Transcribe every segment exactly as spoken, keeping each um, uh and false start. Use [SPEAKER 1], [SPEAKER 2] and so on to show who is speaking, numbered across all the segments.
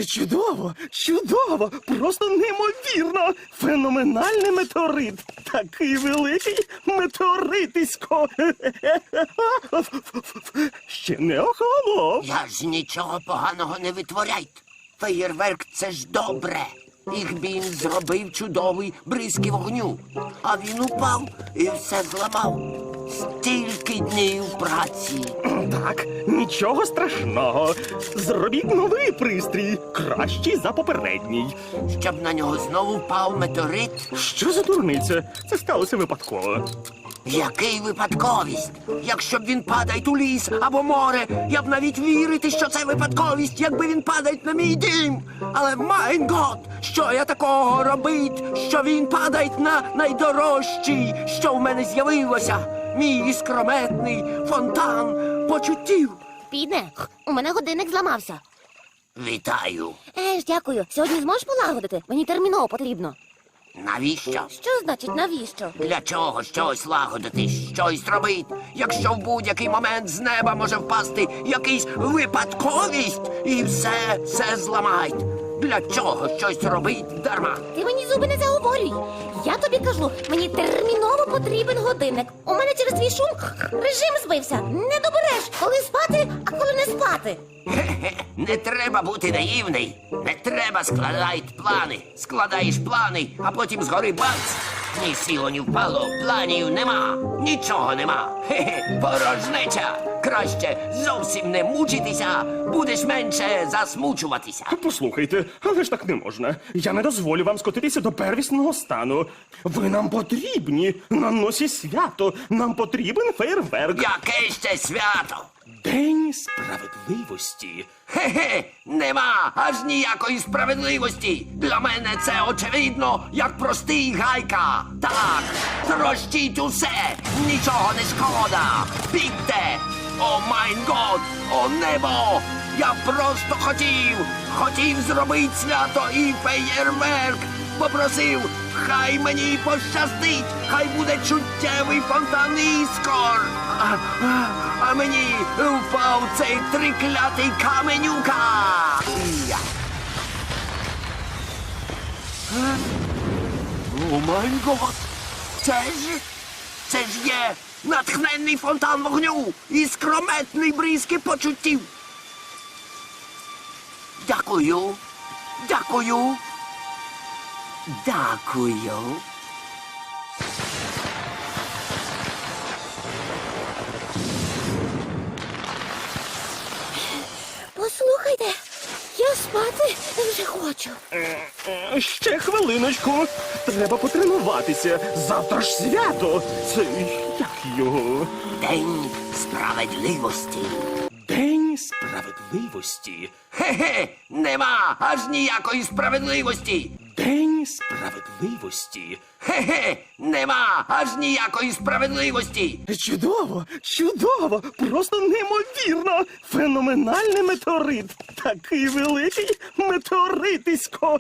[SPEAKER 1] Чудово, чудово, просто неймовірно. Феноменальний метеорит. Такий великий метеоритисько. Ще не охолонув.
[SPEAKER 2] Я ж нічого поганого не витворяйте. Феєрверк – це ж добре. Їх він зробив чудовий бризки вогню. А він упав і все зламав. Стільки днів праці.
[SPEAKER 1] Так, нічого страшного. Зробіть новий пристрій, кращий за попередній.
[SPEAKER 2] Щоб на нього знову впав метеорит.
[SPEAKER 1] Що за дурниця? Це сталося випадково.
[SPEAKER 2] Який випадковість? Якщо б він падає у ліс або море, я б навіть вірити, що це випадковість, якби він падає на мій дім. Але, майн гот, що я такого робить, що він падає на найдорожчий, що в мене з'явилося? Мій іскрометний фонтан почуттів.
[SPEAKER 3] Піде, у мене годинник зламався.
[SPEAKER 2] Вітаю.
[SPEAKER 3] Е ж, дякую. Сьогодні зможеш полагодити? Мені терміново потрібно.
[SPEAKER 2] Навіщо?
[SPEAKER 3] Що значить навіщо?
[SPEAKER 2] Для чого щось лагодити, щось робить, якщо в будь-який момент з неба може впасти якийсь випадковість і все, все зламають? Для чого щось робить дарма?
[SPEAKER 3] Ти мені зуби не заговорюй. Я тобі кажу, мені терміново потрібен годинник. У мене через твій шум режим збився. Не добереш, коли спати, а коли не спати.
[SPEAKER 2] Хе-хе, не треба бути наївний. Не треба складати плани. Складаєш плани, а потім згори бац. Ні сіло, ні впало, планів нема. Нічого нема. Хе-хе, порожнеча. Краще зовсім не мучитися, будеш менше засмучуватися.
[SPEAKER 1] Послухайте, але ж так не можна. Я не дозволю вам скотитися до первісного стану. Ви нам потрібні. На носі свято. Нам потрібен фейерверк.
[SPEAKER 2] Яке ще свято?
[SPEAKER 1] День справедливості.
[SPEAKER 2] Хе-хе, нема аж ніякої справедливості. Для мене це очевидно, як простий гайка. Так, трощіть усе, нічого не шкода. Бігте! О майн год, о небо! Я просто хотів, хотів зробити свято і феєрверк. Попросив, хай мені пощастить, хай буде чуттєвий фонтан іскор. А, а, а мені впав цей триклятий каменюка. Я. Е? О май гот! Це ж, це ж є натхненний фонтан вогню і скрометний бризки почуттів. Дякую, дякую, дякую.
[SPEAKER 3] Послухайте, я спати вже хочу.
[SPEAKER 1] Е, Ще хвилиночку. Треба потренуватися. Завтра ж свято. Це як його?
[SPEAKER 2] День справедливості.
[SPEAKER 1] День справедливості.
[SPEAKER 2] Хе-хе, нема аж ніякої справедливості.
[SPEAKER 1] День справедливості.
[SPEAKER 2] Хе-хе, нема аж ніякої справедливості.
[SPEAKER 1] Чудово, чудово, просто неймовірно. Феноменальний метеорит. Такий великий метеоритисько.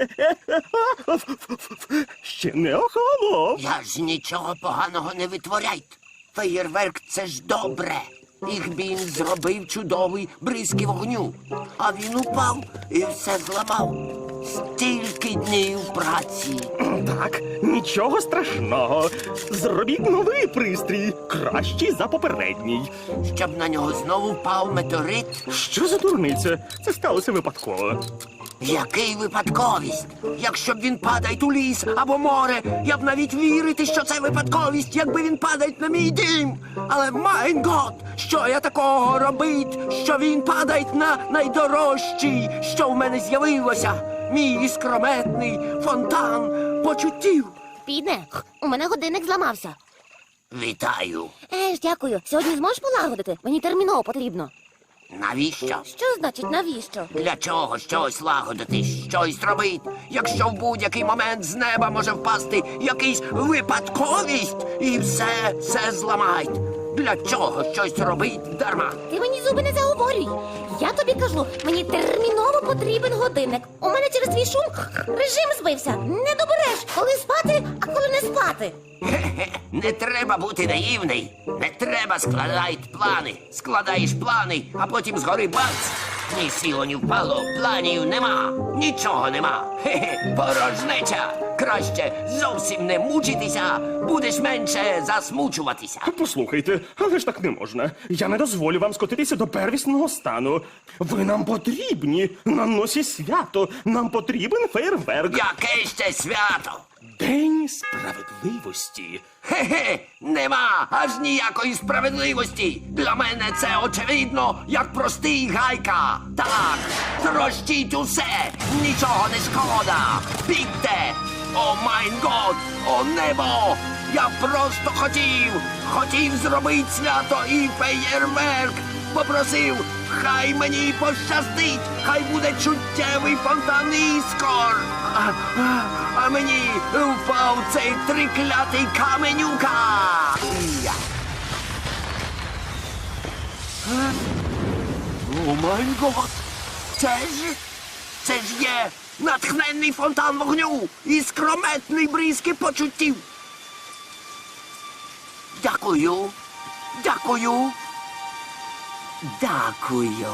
[SPEAKER 1] Ще не охолонув.
[SPEAKER 2] Я ж нічого поганого не витворяйте. Феєрверк – це ж добре. Їх він зробив чудовий бризки вогню. А він упав і все зламав. Стільки днів праці.
[SPEAKER 1] Так, нічого страшного. Зробіть новий пристрій, кращий за попередній.
[SPEAKER 2] Щоб на нього знову впав метеорит.
[SPEAKER 1] Що за дурниця? Це сталося випадково.
[SPEAKER 2] Який випадковість? Якщо б він падає у ліс або море, я б навіть вірити, що це випадковість, якби він падає на мій дім. Але, майн гот, що я такого робить, що він падає на найдорожчий, що в мене з'явилося? Мій іскрометний фонтан почуттів.
[SPEAKER 3] Піде, у мене годинник зламався.
[SPEAKER 2] Вітаю.
[SPEAKER 3] Е ж, дякую. Сьогодні зможеш полагодити? Мені терміново потрібно.
[SPEAKER 2] Навіщо?
[SPEAKER 3] Що значить навіщо?
[SPEAKER 2] Для чого щось лагодити, щось робить, якщо в будь-який момент з неба може впасти якийсь випадковість і все, все зламають? Для чого щось робить дарма?
[SPEAKER 3] Ти мені зуби не заговорюй. Я тобі кажу, мені терміново потрібен годинник. У мене через твій шум режим збився. Не добереш, коли спати, а коли не спати.
[SPEAKER 2] Хе-хе, не треба бути наївний. Не треба складати плани. Складаєш плани, а потім згори бац. Ні сіло, ні впало, планів нема, нічого нема. Хе-хе, порожнеча. Краще зовсім не мучитися, будеш менше засмучуватися.
[SPEAKER 1] Послухайте, але ж так не можна. Я не дозволю вам скотитися до первісного стану. Ви нам потрібні на носі свято. Нам потрібен фейерверк.
[SPEAKER 2] Яке ще свято?
[SPEAKER 1] День справедливості.
[SPEAKER 2] Хе-хе, нема аж ніякої справедливості. Для мене це очевидно, як простий гайка. Так, трощіть усе, нічого не шкода. Бігте! О майн год, о небо! Я просто хотів, хотів зробити свято і феєрверк. Попросив, хай мені пощастить, хай буде чуттєвий фонтан іскор. А, а, а мені впав цей триклятий каменюка. Я. Е? О май гот! Це ж, це ж є натхненний фонтан вогню і скрометний бризки почуттів. Дякую, дякую. Дякую.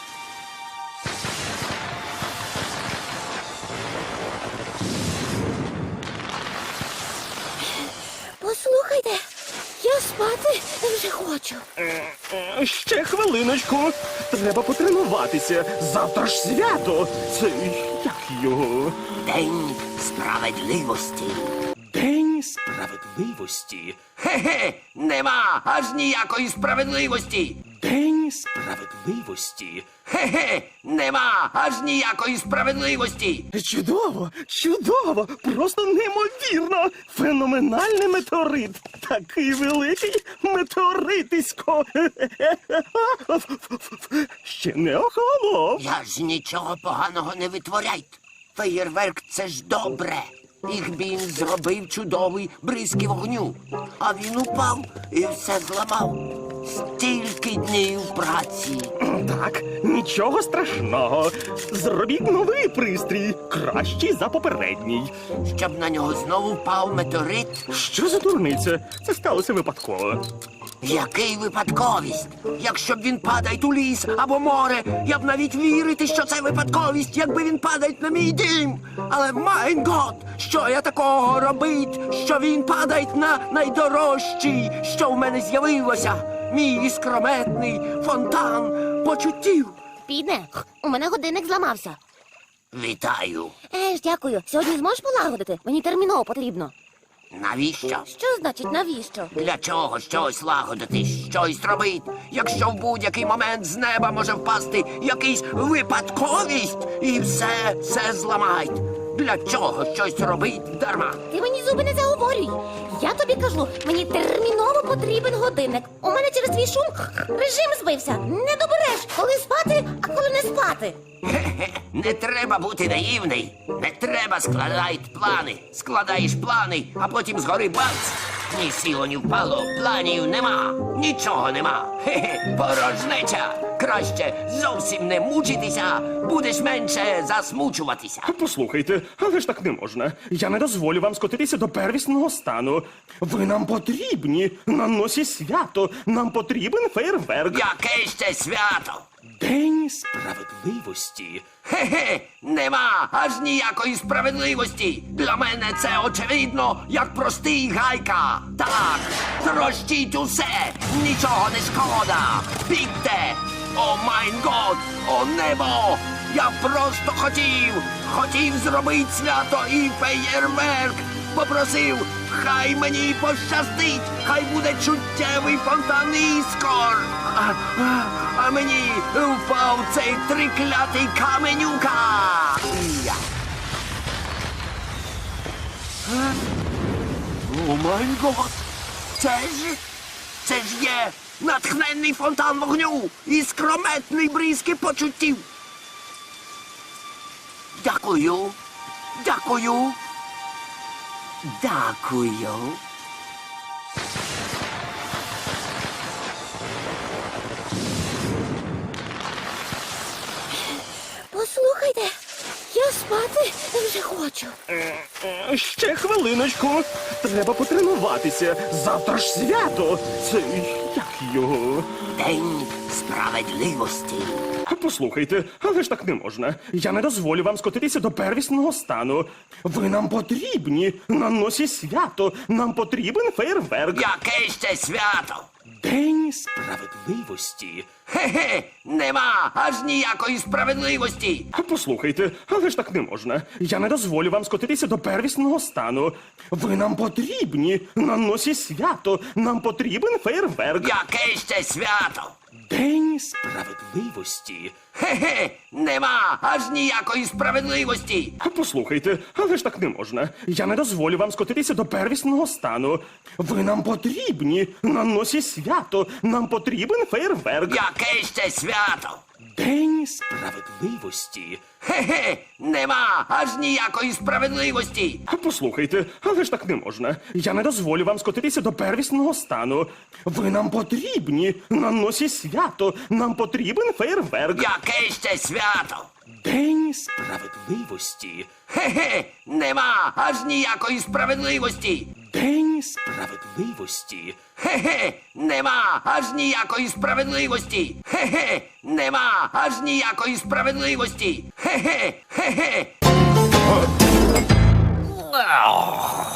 [SPEAKER 3] Послухайте, я спати вже хочу.
[SPEAKER 1] Е, Ще хвилиночку. Треба потренуватися. Завтра ж свято. Це як його?
[SPEAKER 2] День справедливості.
[SPEAKER 1] День справедливості.
[SPEAKER 2] Хе-хе, нема аж ніякої справедливості.
[SPEAKER 1] День справедливості.
[SPEAKER 2] Хе-хе, нема аж ніякої справедливості.
[SPEAKER 1] Чудово, чудово, просто неймовірно. Феноменальний метеорит. Такий великий метеоритисько. Ще не охолонув.
[SPEAKER 2] Я ж нічого поганого не витворяйте. Феєрверк — це ж добре. Їх він зробив чудовий бризки вогню. А він упав і все зламав. Стільки днів праці.
[SPEAKER 1] Так, нічого страшного. Зробіть новий пристрій, кращий за попередній.
[SPEAKER 2] Щоб на нього знову впав метеорит.
[SPEAKER 1] Що за дурниця? Це сталося випадково.
[SPEAKER 2] Який випадковість? Якщо б він падає у ліс або море, я б навіть вірити, що це випадковість, якби він падає на мій дім. Але майн гот, що я такого робить, що він падає на найдорожчий, що в мене з'явилося. Мій іскрометний фонтан почуттів.
[SPEAKER 3] Піде, у мене годинник зламався.
[SPEAKER 2] Вітаю.
[SPEAKER 3] Еж, дякую. Сьогодні зможеш полагодити? Мені терміново потрібно.
[SPEAKER 2] Навіщо?
[SPEAKER 3] Що значить навіщо?
[SPEAKER 2] Для чого щось лагодити, щось робити, якщо в будь-який момент з неба може впасти якийсь випадковість і все, все зламають. Для чого щось робить дарма?
[SPEAKER 3] Ти мені зуби не заговорюй. Я тобі кажу, мені терміново потрібен годинник. У мене через твій шум режим збився. Не добереш, коли спати, а коли не спати.
[SPEAKER 2] Хе-хе, не треба бути наївний. Не треба складати плани. Складаєш плани, а потім згори бац. Ні сіло, ні впало, планів нема, нічого нема. Хе-хе, порожнеча. Краще зовсім не мучитися, будеш менше засмучуватися.
[SPEAKER 1] Послухайте, але ж так не можна. Я не дозволю вам скотитися до первісного стану. Ви нам потрібні на носі свято. Нам потрібен фейерверк.
[SPEAKER 2] Яке ще свято?
[SPEAKER 1] День справедливості.
[SPEAKER 2] Хе-хе, нема аж ніякої справедливості. Для мене це очевидно, як простий гайка. Так, трощіть усе, нічого не шкода. Бігте! О майн год, о небо! Я просто хотів, хотів зробити свято і феєрверк. Попросив, хай мені пощастить, хай буде чуттєвий фонтан іскор. А, а, а мені впав цей триклятий каменюка. Я. Е? О май гот! Це ж, це ж є натхненний фонтан вогню і скрометний бризки почуттів. Дякую, дякую. Дякую.
[SPEAKER 3] Послухайте, я спати вже хочу.
[SPEAKER 1] Е, Ще хвилиночку. Треба потренуватися. Завтра ж свято. Це як його?
[SPEAKER 2] День справедливості.
[SPEAKER 1] Послухайте, але ж так не можна. Я не дозволю вам скотитися до первісного стану. Ви нам потрібні на носі свято. Нам потрібен фейерверк.
[SPEAKER 2] Яке ще свято?
[SPEAKER 1] День справедливості.
[SPEAKER 2] Хе-хе, нема аж ніякої справедливості.
[SPEAKER 1] Послухайте, але ж так не можна. Я не дозволю вам скотитися до первісного стану. Ви нам потрібні на носі свято. Нам потрібен фейерверк.
[SPEAKER 2] Яке ще свято?
[SPEAKER 1] День справедливості.
[SPEAKER 2] Хе-хе, нема аж ніякої справедливості.
[SPEAKER 1] Послухайте, але ж так не можна. Я не дозволю вам скотитися до первісного стану. Ви нам потрібні на носі свято. Нам потрібен фейерверк.
[SPEAKER 2] Яке ще свято?
[SPEAKER 1] День справедливості.
[SPEAKER 2] Хе-хе, нема аж ніякої справедливості.
[SPEAKER 1] Послухайте, але ж так не можна. Я не дозволю вам скотитися до первісного стану. Ви нам потрібні на носі свято. Нам потрібен фейерверк.
[SPEAKER 2] Яке ще свято?
[SPEAKER 1] День справедливості.
[SPEAKER 2] Хе-хе, нема аж ніякої справедливості.
[SPEAKER 1] День справедливості.
[SPEAKER 2] Хе-хе, нема аж ніякої справедливості. Хе-хе, нема аж ніякої справедливості. Хе-хе, хе-хе.